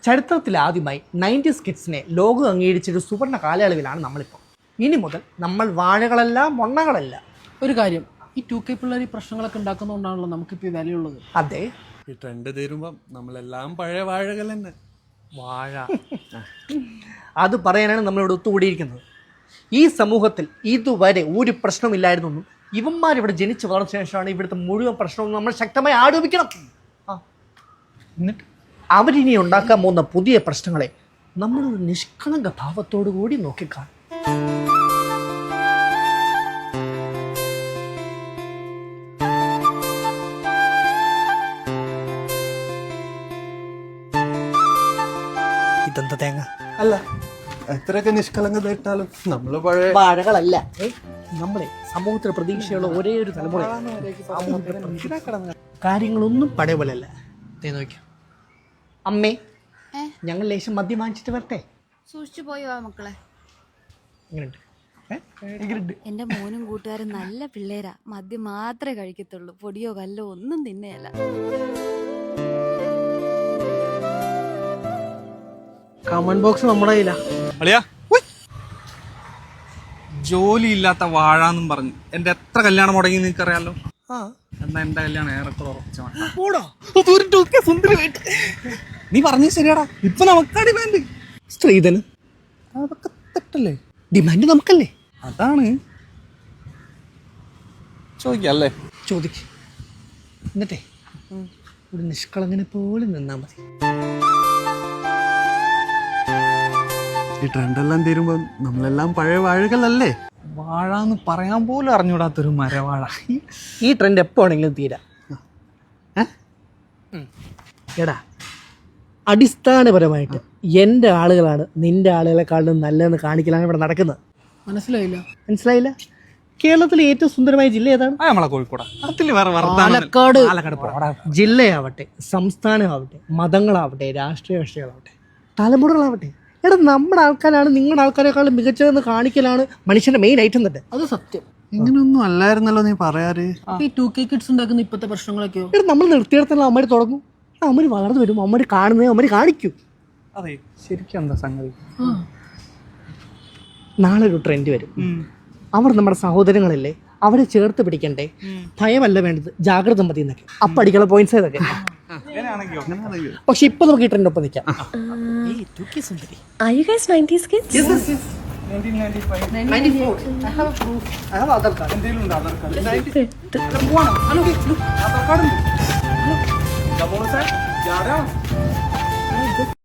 ചരിത്രത്തിൽ ആദ്യമായി 90s കിഡ്സിനെ ലോകം അംഗീകരിച്ചൊരു സുവർണ്ണ കാലയളവിലാണ് നമ്മളിപ്പോൾ. ഇനി മുതൽ നമ്മൾ വാഴകളല്ല മൊണ്ണകളല്ല. ഒരു കാര്യം, ഈ 2K പിള്ളേർ ഈ പ്രശ്നങ്ങളൊക്കെ ഉണ്ടാക്കുന്നതുകൊണ്ടാണല്ലോ നമുക്കിപ്പോൾ ഈ വിലയുള്ളത്. അതെ, ഈ ട്രെൻഡ് തീരുമ്പം നമ്മളെല്ലാം പഴയ വാഴകൾ തന്നെ. വാഴ അത് പറയാനാണ് നമ്മളിവിടെ ഒത്തുകൂടിയിരിക്കുന്നത്. ഈ സമൂഹത്തിൽ ഇതുവരെ ഒരു പ്രശ്നമില്ലായിരുന്നു. ഇവന്മാരിവിടെ ജനിച്ചു വളർന്ന ശേഷമാണ് ഇവിടുത്തെ മുഴുവൻ പ്രശ്നവും നമ്മൾ ശക്തമായി ആരോപിക്കണം. എന്നിട്ട് അവരിനി ഉണ്ടാക്കാൻ പോകുന്ന പുതിയ പ്രശ്നങ്ങളെ നമ്മളൊരു നിഷ്കളങ്ക ഭാവത്തോടു കൂടി നോക്കിക്കാണും. ഇതെന്താ തേങ്ങ? അല്ല, എത്രയൊക്കെ നിഷ്കളങ്കത ഇട്ടാലും നമ്മള് പഴയ വാഴകളല്ല. നമ്മളെ സമൂഹത്തിന് പ്രതീക്ഷയുള്ള ഒരേ ഒരു തലമുറ. കാര്യങ്ങളൊന്നും പഴയ പോലെയല്ല. നോക്കാം അമ്മേ, ഞങ്ങൾ ലേശം മദ്യം വാങ്ങിച്ചിട്ട് വരട്ടെ. സൂക്ഷിച്ചു പോയോ മക്കളെ? എങ്ങനെയുണ്ട്? എന്റെ മോനും കൂട്ടുകാരും നല്ല പിള്ളേരാ. മദ്യം മാത്രമേ കഴിക്കത്തുള്ളൂ, പൊടിയോ കല്ലോ ഒന്നും തിന്നയല്ല. കമന്റ് ബോക്സ് നമ്മുടെ കയ്യിലാ. അളിയാ, ജോലി ഇല്ലാത്ത വാഴാന്നും പറഞ്ഞു എന്റെ എത്ര കല്യാണം മുടങ്ങി നിനക്കറിയാലോ. എന്നാ എന്റെ കല്യാണം ഏറെക്കുറെ ഉറച്ചമാണ്. നീ പറഞ്ഞു ശരിയാടാ, ഇപ്പൊ നമുക്കാ ഡിമാൻഡ്. സ്ത്രീധനം അതൊക്കെ തെറ്റല്ലേ? ഡിമാൻഡ് നമുക്കല്ലേ? അതാണ് ചോദിക്കല്ലേ. ചോദിക്ക്. എന്നിട്ടേ ഒരു നിഷ്കളങ്ങനെ പോലെ നിന്നാ മതി. ഈ ട്രെൻഡെല്ലാം തീരുമ്പോ നമ്മളെല്ലാം പഴയ വാഴകളല്ലേ? വാഴാന്ന് പറയാൻ പോലും അറിഞ്ഞൂടാത്തൊരു മരവാഴ. ഈ ട്രെൻഡ് എപ്പോ ആണെങ്കിലും തീരാ. എടാ, അടിസ്ഥാനപരമായിട്ട് എൻ്റെ ആളുകളാണ് നിന്റെ ആളുകളെക്കാളും നല്ലതെന്ന് കാണിക്കലാണ് ഇവിടെ നടക്കുന്നത്. മനസ്സിലായില്ല? കേരളത്തിലെ ഏറ്റവും സുന്ദരമായ ജില്ല ഏതാണ്? നമ്മളെ കോഴിക്കോട്. അതിൽ വേറെ പാലക്കാട്. ജില്ലയാവട്ടെ, സംസ്ഥാനമാവട്ടെ, മതങ്ങളാവട്ടെ, രാഷ്ട്രീയ കക്ഷികളാവട്ടെ, തലമുറകളാവട്ടെ, എടാ നമ്മുടെ ആൾക്കാരാണ് നിങ്ങളുടെ ആൾക്കാരെക്കാളും മികച്ചതെന്ന് കാണിക്കലാണ് മനുഷ്യന്റെ മെയിൻ ഐറ്റം തന്നെ. അത് സത്യം. ഇങ്ങനൊന്നും അല്ലായിരുന്നല്ലോ നീ പറയാറ്. ഈ 2K കിഡ്സ് ഉണ്ടാക്കുന്ന ഇപ്പോഴത്തെ പ്രശ്നങ്ങളൊക്കെയോ? എടാ, നമ്മൾ നിർത്തിയിടത്തുള്ള അമ്മര് തുടങ്ങും, അമ്മര് വളർന്നു വരും, അമ്മര് കാണുന്നത് അമ്മര് കാണിക്കും. അതെ, ശരിക്കും എന്താ സംഗതി? നാളെ ഒരു ട്രെൻഡ് വരും. അവർ നമ്മുടെ സഹോദരങ്ങളല്ലേ, അവരെ ചേർത്ത് പിടിക്കണ്ടേ, ഭയമല്ല വേണ്ടത്, ജാഗ്രത മതി എന്നൊക്കെ. അപ്പൊ അടിക്കുന്ന പോയിന്റ്സ് ഇതൊക്കെ. പക്ഷെ ഇപ്പൊ നമുക്ക് ഈ ട്രെൻഡ് ഒപ്പം നിൽക്കാം. Are you guys 90s kids? Yes. 1994. I have a proof. I have Aadhaar card. എന്തെങ്കിലും ആധാർ കാർഡ്? Aadhaar card ഉണ്ട്. Hello.